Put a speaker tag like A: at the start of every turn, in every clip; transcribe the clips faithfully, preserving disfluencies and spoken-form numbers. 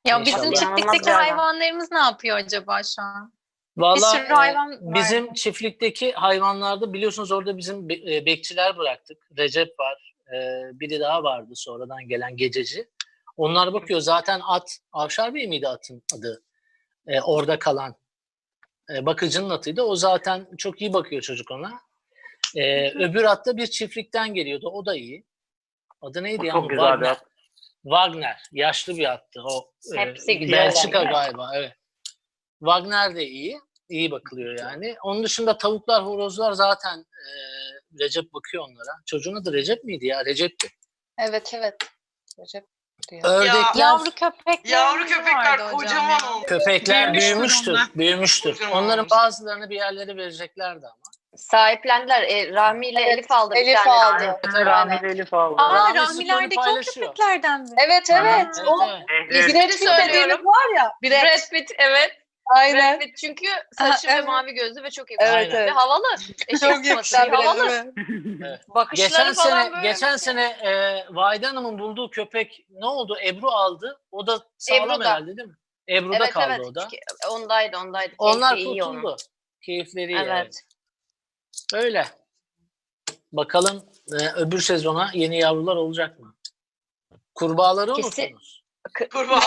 A: Ya bizim
B: İnşallah.
A: çiftlikteki
C: İnanılmaz bir adam.
A: hayvanlarımız ne yapıyor acaba şu an? Bir
B: Vallahi
A: sürü hayvan
B: e,
A: var.
B: bizim çiftlikteki hayvanlarda biliyorsunuz orada bizim be- e, bekçiler bıraktık. Recep var. e, biri daha vardı sonradan gelen gececi. Onlar bakıyor zaten at. Avşar Bey miydi atın adı? E, orada kalan e, bakıcının atıydı. O zaten çok iyi bakıyor çocuk ona. E, öbür at da bir çiftlikten geliyordu. O da iyi. Adı neydi
C: O
B: ya?
C: çok güzel bir
B: Wagner.
C: at.
B: Wagner. Yaşlı bir attı. O e,
A: Hepsi güzel
B: Belçika
A: yani.
B: galiba. Evet. Wagner de iyi. İyi bakılıyor yani. Onun dışında tavuklar, horozlar zaten e, Recep bakıyor onlara. Çocuğun adı Recep miydi ya? Recep'ti.
D: Evet evet. Recep diyor.
B: Ördekler,
A: Yavru köpekler
E: Yavru
A: vardı
E: köpekler
A: hocam
E: kocaman
A: ya.
E: olmuş.
B: köpekler
E: Büyümüştür
B: büyümüştür.
E: onlar.
B: Büyümüştür.
E: Kocaman
B: Onların
E: olmuş.
B: bazılarını bir yerlere vereceklerdi ama.
C: Sahiplendiler. E, Rahmi ile
D: Evet,
C: Elif aldı bir
D: Elif
C: tane.
D: aldı.
C: Aynen. Rahmi ile Elif aldı.
A: Aa,
B: Rahmi
A: rahmilerdeki
B: Spor'u
A: o
B: paylaşıyor.
A: köpeklerden mi?
D: Evet evet.
B: Evet,
D: O
B: evet.
C: Evet.
D: Brad Pitt dediğimiz var ya. Brad.
C: Brad Pitt, evet.
D: Aynen.
C: Brad Pitt çünkü saçı
D: Aha,
C: ve
D: evet.
C: mavi gözlü ve çok iyi.
D: Evet,
C: Ve
D: evet.
C: havalı. Eşek
D: Çok
C: sıfatı.
D: yakışıklı.
C: Havalı.
D: Evet.
B: Evet.
C: Bakışları
B: Geçen
C: falan
B: sene,
C: böyle.
B: geçen sene e, Vahide Hanım'ın bulduğu köpek ne oldu? Ebru aldı. O da sağlam
C: Ebru da.
B: herhalde değil mi? Ebru'da
C: Evet
B: kaldı
C: evet.
B: o da.
C: Ondaydı ondaydı.
B: Onlar
C: Keyfi iyi onun.
B: kurtuldu. Keyifleri iyi.
C: Evet.
B: Evet. Öyle. Bakalım e, öbür sezona yeni yavrular olacak mı? Kurbağaları
C: Kesin.
B: unuttunuz.
E: Kurbağa.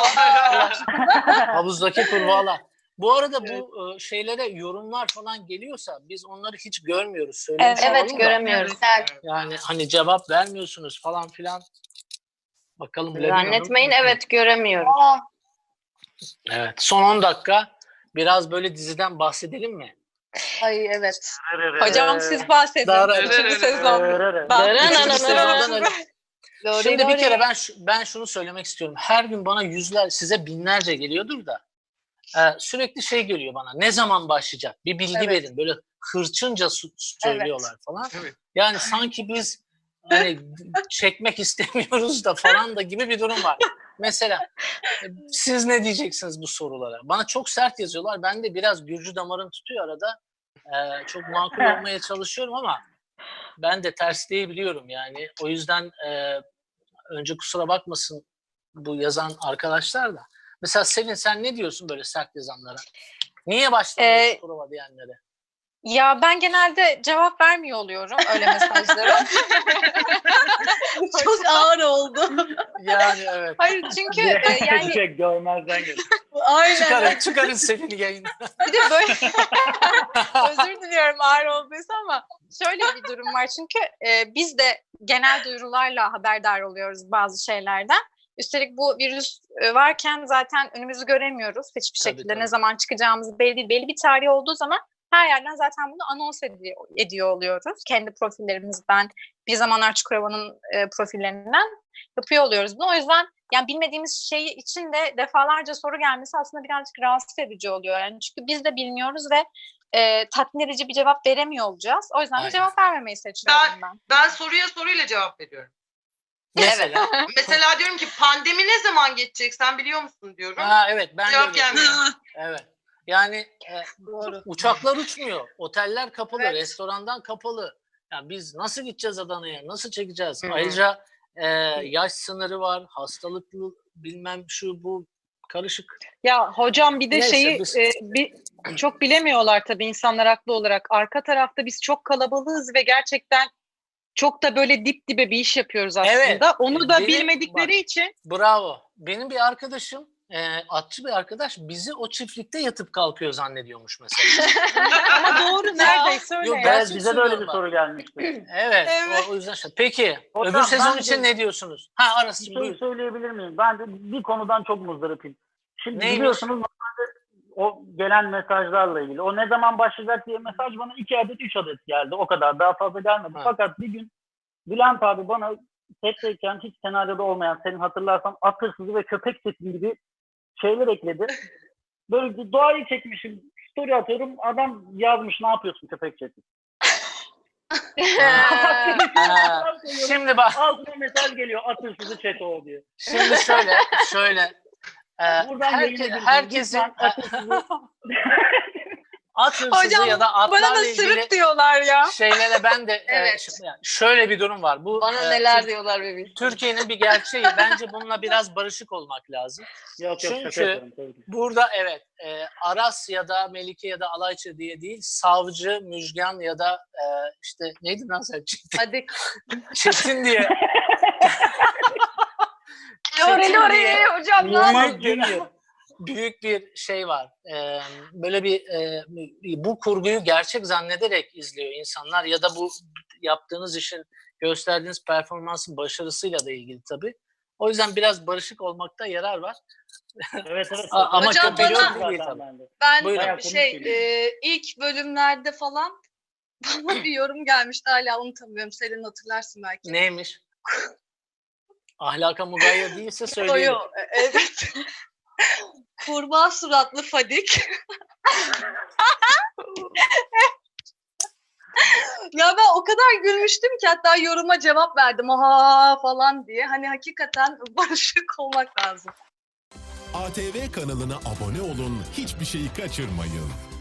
B: Havuzdaki kurbağalar. Bu arada bu e, şeylere yorumlar falan geliyorsa biz onları hiç görmüyoruz. Söylemiş
C: Evet
B: olalım da.
C: göremiyoruz.
B: Yani hani cevap vermiyorsunuz falan filan. Bakalım Levin Hanım.
C: Zannetmeyin evet göremiyoruz.
D: Aa,
B: Evet. Son on dakika biraz böyle diziden bahsedelim mi?
D: ay evet.
A: Hocam siz bahsedin.
B: Dar-
A: Üçüncü sezon.
B: Üçüncü sezondan öyle.
D: Doğru,
B: Şimdi bir
D: doğru.
B: kere ben şu- ben şunu söylemek istiyorum. Her gün bana yüzler, size binlerce geliyordur da e, sürekli şey geliyor bana. Ne zaman başlayacak? Bir bilgi
D: Evet.
B: verin. Böyle hırçınca su- söylüyorlar falan.
E: Evet.
B: Yani sanki biz hani çekmek istemiyoruz da falan da gibi bir durum var. Mesela e, siz ne diyeceksiniz bu sorulara? Bana çok sert yazıyorlar. Ben de biraz Gürcü damarım tutuyor arada. E, çok makul olmaya çalışıyorum ama ben de tersleyebiliyorum yani. O yüzden e, önce kusura bakmasın bu yazan arkadaşlar da. Mesela Selin sen ne diyorsun böyle sert yazanlara? Niye başlamıyorsun
A: Ee,
B: prova diyenlere?
A: Ya ben genelde cevap vermiyor oluyorum öyle mesajlara.
D: Çok ağır oldu.
B: Yani evet.
A: Hayır çünkü e, yani
C: Çek görmezden gel.
D: Aynen.
B: Çıkarın, çıkarın Selin'i yayından.
A: bir de böyle özür diliyorum ağır olduysa ama şöyle bir durum var çünkü e, biz de genel duyurularla haberdar oluyoruz bazı şeylerden. Üstelik bu virüs e, varken zaten önümüzü göremiyoruz hiçbir
B: Tabii,
A: şekilde.
B: tabii.
A: Ne zaman çıkacağımız belli değil. Belli bir tarih olduğu zaman her yerden zaten bunu anons ediyor, ediyor oluyoruz. Kendi profillerimizden, bir zamanlar Çukurova'nın e, profillerinden yapıyor oluyoruz bunu. O yüzden yani bilmediğimiz şey için de defalarca soru gelmesi aslında birazcık rahatsız edici oluyor. Yani çünkü biz de bilmiyoruz ve e, tatmin edici bir cevap veremiyor olacağız. O yüzden
B: Aynen.
A: de cevap vermemeyi seçiyorum ben.
E: Ben soruya soruyla cevap veriyorum.
B: Mesela.
E: Mesela diyorum ki pandemi ne zaman geçecek sen biliyor musun diyorum.
B: Ha evet ben de
E: Cevap
B: öyle
E: gelmiyor.
B: diyorum. Evet. Yani e,
D: Doğru.
B: uçaklar uçmuyor. Oteller kapalı,
D: Evet.
B: restorandan kapalı. Yani biz nasıl gideceğiz Adana'ya? Nasıl çekeceğiz?
C: Hı hı.
B: Ayrıca e, yaş sınırı var, hastalıklı bilmem şu bu karışık.
F: Ya hocam bir de
B: Neyse,
F: şeyi
B: biz-
F: e, bir çok bilemiyorlar tabii insanlar haklı olarak. Arka tarafta biz çok kalabalığız ve gerçekten çok da böyle dip dibe bir iş yapıyoruz aslında.
B: Evet.
F: Onu da
B: Benim-
F: bilmedikleri
B: bak.
F: için
B: Bravo. Benim bir arkadaşım, e, atçı bir arkadaş bizi o çiftlikte yatıp kalkıyor zannediyormuş mesela.
F: ama doğru neredeyse öyle.
B: Yok,
F: ya.
B: ben-
C: Evet bize de öyle bir soru gelmişti.
B: Evet,
D: Evet.
B: O, o yüzden şey. Peki,
C: Hocam,
B: öbür sezon
C: ben
B: için
C: de-
B: ne diyorsunuz? Ha
C: Bir
B: Aras'cığım
C: şey
B: buyur.
C: söyleyebilir miyim? Ben de bir konudan çok muzdaripim. Şimdi
B: Neymiş?
C: biliyorsunuz normalde o gelen mesajlarla ilgili. O ne zaman başlayacak diye mesaj bana iki adet, üç adet geldi. O kadar. Daha fazla gelmedi.
B: Ha.
C: Fakat bir gün Bülent abi bana setteyken hiç senaryoda olmayan, senin hatırlarsan at hırsızı ve köpek sesi gibi şeyler ekledi. Böyle bir doğayı çekmişim. Story atıyorum. Adam yazmış ne yapıyorsun köpek sesi.
B: Ha, Şimdi bak,
C: Altına mesaj geliyor at hırsızı chat o diyor.
B: şimdi şöyle, şöyle. E,
C: Buradan
B: herke-
C: yayın edin.
B: herkesin
C: Lütfen at hırsızı-
B: at hırsızı
A: Hocam,
B: ya da
A: Bana
B: atlarla
A: da
B: ilgili
A: sırık diyorlar ya.
B: şeylere ben de e,
D: Evet.
B: şimdi yani şöyle bir durum var. Bu
D: Bana
B: e,
D: neler
B: Tür-
D: diyorlar bebeğim.
B: Türkiye'nin bir gerçeği. Bence bununla biraz barışık olmak lazım.
C: Yok yok şaka
B: Çünkü
C: yapıyorum. tabii ki.
B: burada evet e, Aras ya da Melike ya da Alaycı diye değil, savcı, müjgan ya da e, işte neydi lan sen Çetin,
D: Hadi.
B: Çetin diye
D: Lori
B: Çetin
D: Lori
B: diye
D: hocam ne
C: Yılmaz
D: yapıyorsun?
B: büyük,
C: Junior.
B: büyük bir şey var. E, böyle bir e, bu kurguyu gerçek zannederek izliyor insanlar ya da bu yaptığınız işin, gösterdiğiniz performansın başarısıyla da ilgili tabii. O yüzden biraz barışık olmakta yarar var.
C: Evet evet.
B: A- ama
D: Hocam
B: kötü
D: bana-
B: yok değil
C: Zaten
B: tabii.
C: bende.
D: Ben
B: Buyurun.
C: Bayağı
D: şey
C: komik
D: e, ilk bölümlerde falan bana bir yorum gelmişti, hala unutamıyorum. Selin hatırlarsın belki.
B: Neymiş? Ahlaka mugayyer değilse
D: Yo,
B: söyleyelim.
D: yo, e- evet. Kurbağa suratlı Fadik. Ya ben o kadar gülmüştüm ki hatta yoruma cevap verdim ha falan diye. Hani hakikaten barışık olmak lazım.
G: A T V kanalına abone olun, hiçbir şeyi kaçırmayın.